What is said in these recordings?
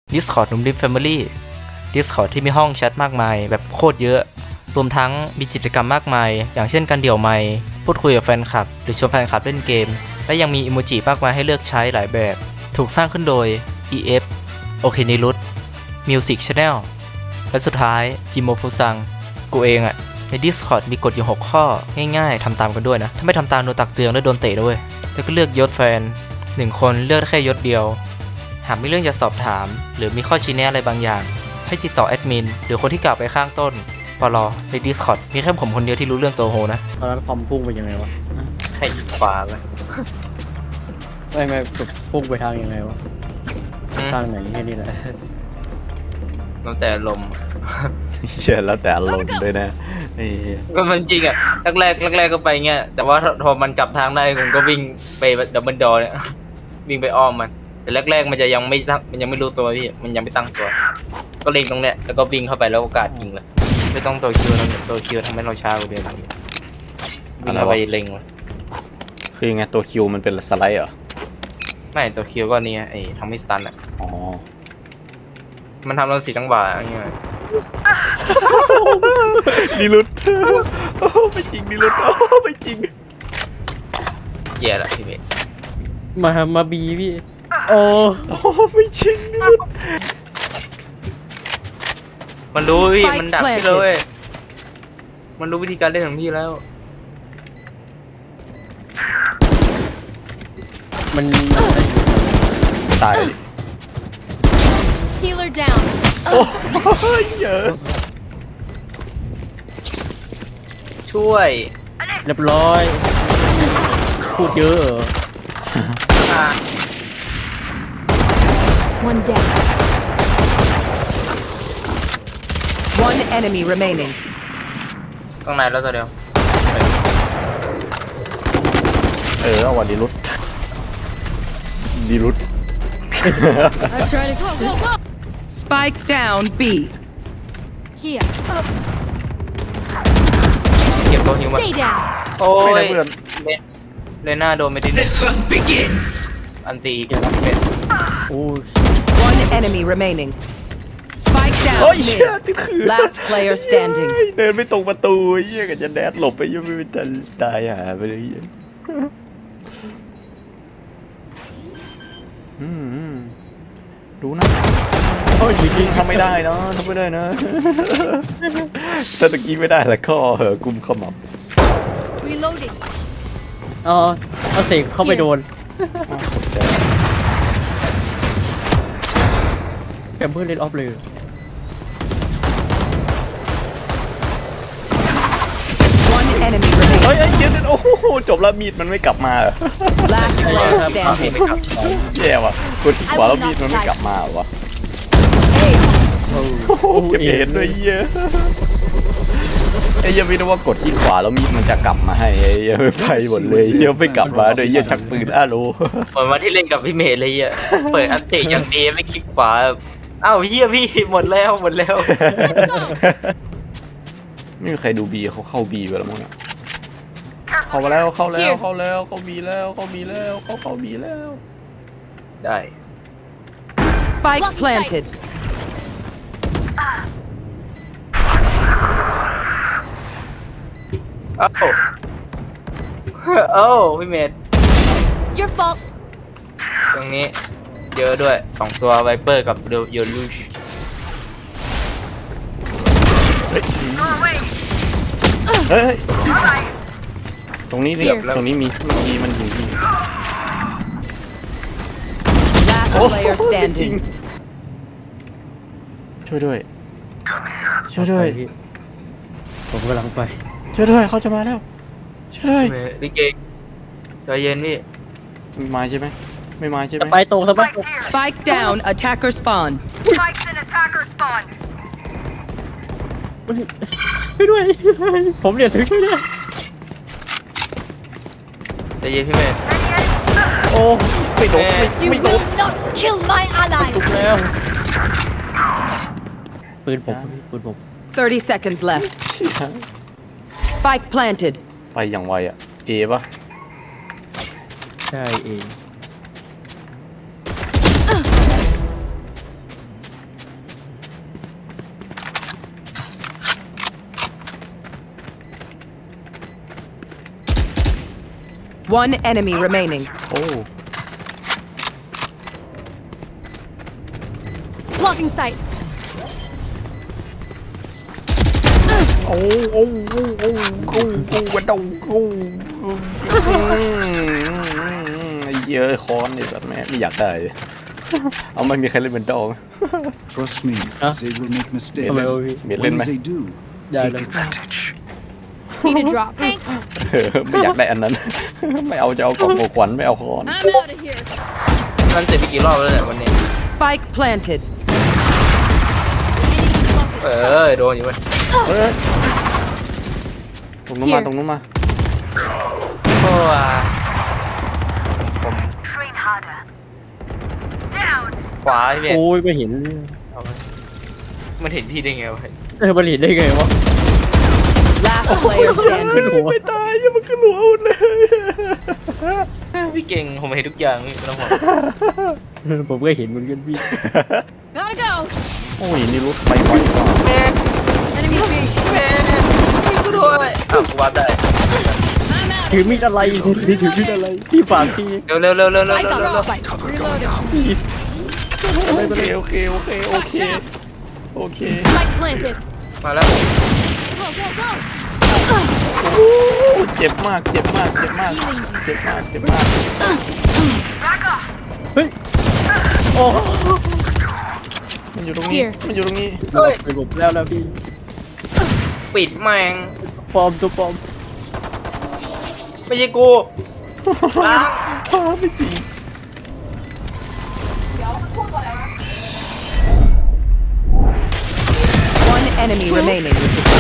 Discord นุ่มดิฟ Family Discord ที่มีห้องแชทมากมายแบบโคตรเยอะรวมทั้งมีกิจกรรมมากมายอย่างเช่นการเดี่ยวไมค์พูดคุยกับแฟนคลับหรือชวนแฟนคลับเล่นเกมและยังมีอิโมจิมากมายให้เลือกใช้หลายแบบถูกสร้างขึ้นโดย EF โอเคนิรุต Music Channel และสุดท้ายจิโมฟุซังกูเองอะใน Discord มีกฎอยู่6ข้อง่ายๆทำตามกันด้วยนะถ้าไม่ทำตามโดนตักเตือนและโดนเตะด้วยแล้วก็เลือกยศแฟน1คนเลือกแค่ยศเดียวหากมีเรื่องจะสอบถามหรือมีข้อชี้แนะอะไรบางอย่างให้ติดต่อแอดมินหรือคนที่กล่าวไปข้างต้นปลอใน Discord มีแค่ผมคนเดียวที่รู้เรื่องตัวโฮนะตอนนั้นคอมพุ่งไปยังไงวะให้ขวาเลยไม่พุ่งไปทางยังไงวะทางไหนแค่นี้แหละแล้วแต่ลมเชื่อแล้วแต่อารมณ์ด้วยนะไอ้ก็มันจริงอ่ะแรกก็ไปเงี้ยแต่ว่าพอมันกลับทางได้ผมก็วิ่งไปดับเบิลดอเนี่ย วิ่งไปอ้อมมันแต่แรกมันจะยังไม่ตั้งมันยังไม่รู้ตัวพี่มันยังไม่ตั้งตัว ก็เล็งตรงเนี้ยแล้วก็วิ่งเข้าไปแล้วโอกาสยิงเลยไม่ต้องตัวคิวทำให้เราช้ากว่าเดิมวิ่งเข้าไปเล็งเลยคือยังไงตัวคิวมันเป็นสไลด์เหรอไม่ตัวคิวก็นี่ไอ้ทำให้สตันอ่ะอ๋อมันทำเรา4จังหวะอย่างเงี้ยนิรุตโอ้ไม่จริงนิรุตโอ้ไม่จริงแย่ละพี่เบสมาบีพี่โอ้โอ้ไม่จริงนิรุตมันรู้พี่มันดักพี่เลยมันรู้วิธีการเล่นของพี่แล้วมันตายดิ Healer down. โอ้ยเยอะช่วยเรียบร้อยพูดเยอะเหรออ่ะ One down. One enemy remaining. ข้างในแล้วตัวเดียวเอาวันนิรุตนิรุต I'm trying to go. Spike down B. Here. เก็บตัวฮิวมา Stay down. โอ้ไม่ได้ยเพื่อนเลน่าโดนไปดิอันตีอีกเป็นโอ้ย One enemy remaining. Spike โอ้ย down เชี่ย mid. ที่คือ Last player standing. เดินไปตรงประตูเหี้ยกันจะแดดหลบไปยังไม่เป็นตายหาไปเลยเหี้ยดูนะโอ้ยจริงๆทำไม่ได้นะทำไม่ได้นะถ้าตะกี้ไม่ได้แล้วก็กุมขมับ Reloading. เอาเสกเข้าไปโดนตกใจแกมเพื่อนเล่นออฟเลย One enemy เฮ้ย remaining. เดี๋ยวโอ้โหจบแล้วมีดมันไม่กลับมาเหรอ Last player พี่ standing. ไม่กลับแย่ว่ะกดที่ขวาแล้วมีดมันไม่กลับมาเหรอวะ Hey, โอ้โหเก็บเห็นด้วยเหี้ยไอ้เหี้ยังไม่รู้ว่ากดที่ขวาแล้วมีดมันจะกลับมาให้ไอ้เหี้ยังไม่ไปหมดเลยเหี้ยังไม่กลับมาโดยเหี้ยชักปืนอ้าโลเหมือนวันที่เล่นกับพี่เมย์เลยอ่ะเปิดอัปเดตอย่างดีไม่คลิกขวาอ้าวเฮียพี่หมดแล้วไม่มีใครดูบีเขาเข้าบีไปแล้วมั้งเนี่ยเข้ามาแล้วเข้าแล้วเข้าบีแล้วเข้าบีแล้วได้ spike planted. เอ้าเอ้าพี่เมย์ Your fault. ตรงนี้เยอะด้วย2ตัวไวเปอร์กับโยลูชเฮ้ยตรงนี้นี่ตรงนี้มีมันอยู่ที่ Last player จริง standing. ช่วยด้วยไปพี่ผมกำลังไปช่วยด้วยเขาจะมาแล้วช่วยด้วยพี่เมย์พี่เกงใจเย็นพี่มีไม้ใช่ไหมไม่ไม้ใช่ไหสมไปตรงสไปตรง Spike down. Attacker spawn. Spikes in attacker spawn. ช่วยด้วยผมเนี่ยถึงช่วยด้วยใจเย็นพี่เมย์โอ้ไม่โดน You will not kill my ally. ถูกแล้วปืนผม 30 seconds left. Spike planted. ไปอย่างไวอ่ะเอปะใช่เอง One enemy remaining. โอ้ Blocking sight. โอ้โอ้โอ้โอ้โอ้โอ้วันดงโอ้ไอ้เยอะคอนนี่สัตว์แม่ไม่อยากได้ เอาไม่มีใครเล่นเป็นดอง Trust me, Huh? they will make mistakes. ทำไมวะพี่มีเล่น When ไหม they do, ได้เลย Need a drop. Thanks. ไม่อยากได้อันนั้น ไม่เอาจะเอากล่องของขวัญไม่เอาคอน I'm out of here. นั่นเสร็จไปกี่รอบแล้วเนี่ยวันนี้ Spike planted. Enemy spotted. โดนอยู่เว้ยเฮ้ยตรงนู้นมาตรงนู้นมาโอ้ยผม Train harder. Down. ขวาพี่เบสโอ้ยไม่เห็นมันเห็นพี่ได้ไงวะมันเห็นได้ไงวะ Last player ขึ้น standing. หัวไม่ตายยังมันขึ้นหัวหมดเลยพี่เก่งผมเห็นทุกอย่างพี่ไม่ต้องห่วงผมก็เห็นเหมือนกันพี่ Gotta go. โอ้ยนี่รถไปไวกว่า Enemy B. กูด้วยอ้าวกูวาร์ปได้ I'm out. ถือมีดอะไรพี่ถือมีดอะไรพี่ฝากพี่เร็วเร็วเร็วเร็วเร็ว I เร็ว got เร็ว spike. Reloading. โอเคโอเคโอเคโอเคโอเค Spike planted. มาแล้ว Go, go, go. เจ็บมากเจ็บมากเจ็บมากเจ็บมากเจ็บมากเฮ้ยโอ้มันอยู่ตรงนี้ Here. มันอยู่ตรงนี้ไปหลบแล้วพี่ปิดแม่งปลอมตัวปลอมไม่ใช่กูล้างไม่จริง One enemy remaining.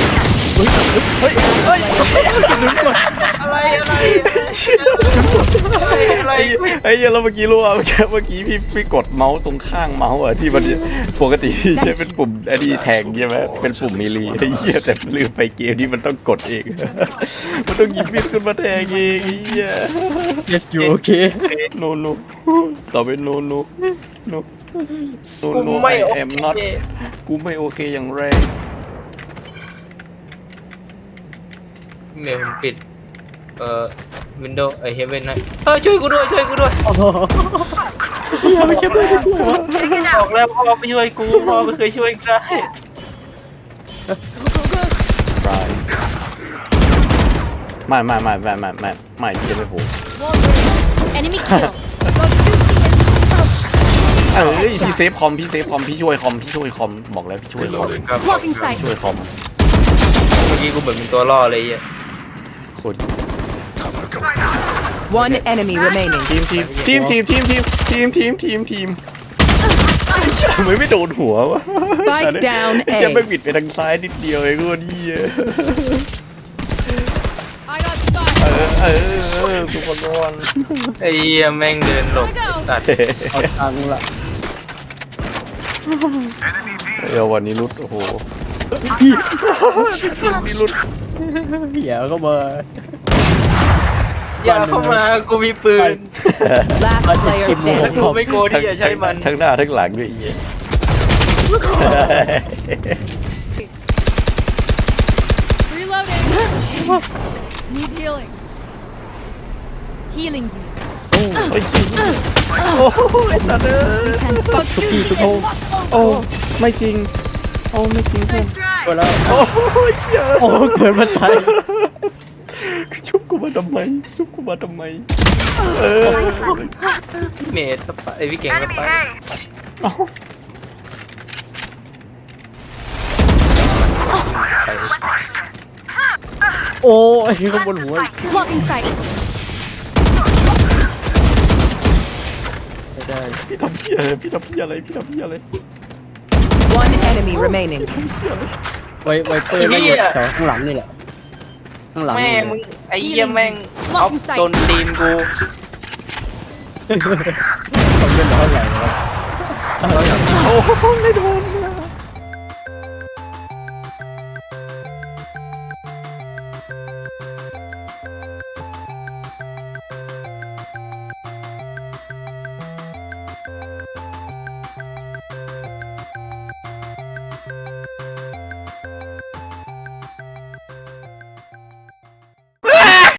อะไรอะไรไอ้เหี้ยแล้วเมื่อกี้รู้ว่าเมื่อกี้พี่กดเมาส์ตรงข้างเมาส์อะที่มันปกติพี่ใช้เป็นปุ่มไอ้นี่แทงใช่ไหมเป็นปุ่มมีลีไอ้เหี้ยแต่ลืมไปเกมนี้มันต้องกดเอง มันต้องหยิบมีดขึ้นมาแทงเองไอ้เหี้ย yes you okay โนโนต่อไปโนโนโนโนกูโนไม่ I โอ am เค not กูไม่โอเคอย่างแรงเมลผมปิดวินโดว์เฮเว่นนะช่วยกูด้วยช่วยกูด้วยโอ้โหไม่ใช่ไม่ใช่วะบอกแล้วพ่อไม่ช่วยกูพ่อไม่เคยช่วยใครตายไม่จะไม่โห Wall break. Enemy kill. Go to เอ้ยพี่เซฟคอมพี่ช่วยคอมบอกแล้วพี่ช่วยคอม blocking sight. ช่วยคอมเมื่อกี้กูเหมือนเป็นตัวล่อเลยอ่ะโคตร One enemy remaining. ทีมไม่โดนหัววะ Spike down จะไม่ A. บิดไปทางซ้ายนิดเดียวเองก็ดี I got spot. ทุกคนร้อนไอ้เหี้ยแม่งเดินหลบตัดเอาตังค์ละเดี๋ยววันนี้รุดโอ้โหนี่รุดเหี้ยก็มาอย่าเข้ามากูมีปืน Last player กู standing. ไม่โกลัวที่จะใช้มันทั้งหน้าทั้งหลังด้วยไอ้เหี้ย Reloading. Need healing. Healing you. โอ้ยโอ้ยสัตว์เอ้ย We can spot two. โอ้ไม่จริงโอ้ไม่จริงเพื่อนไปแล้วโอ้ยเหี้ยโอ้เกิดมาตายชุบกูมาทำไมพี่เมย์สปะไอพี่เก่งส Enemy ปะ A. โอ้ยข้างบนหัว Blocking sight. ไม่ได้พี่ทำเหี้ยอะไร One enemy remaining. ไวเปอร์ไม่อยู่แถวข้างหลังนี่แหละข้างหลังแม่นี่มึงไอ้เหี้ยแม่งเอาโดนตีนกูเขาเล่นเท่าไหร่วะโอ้ไม่โดน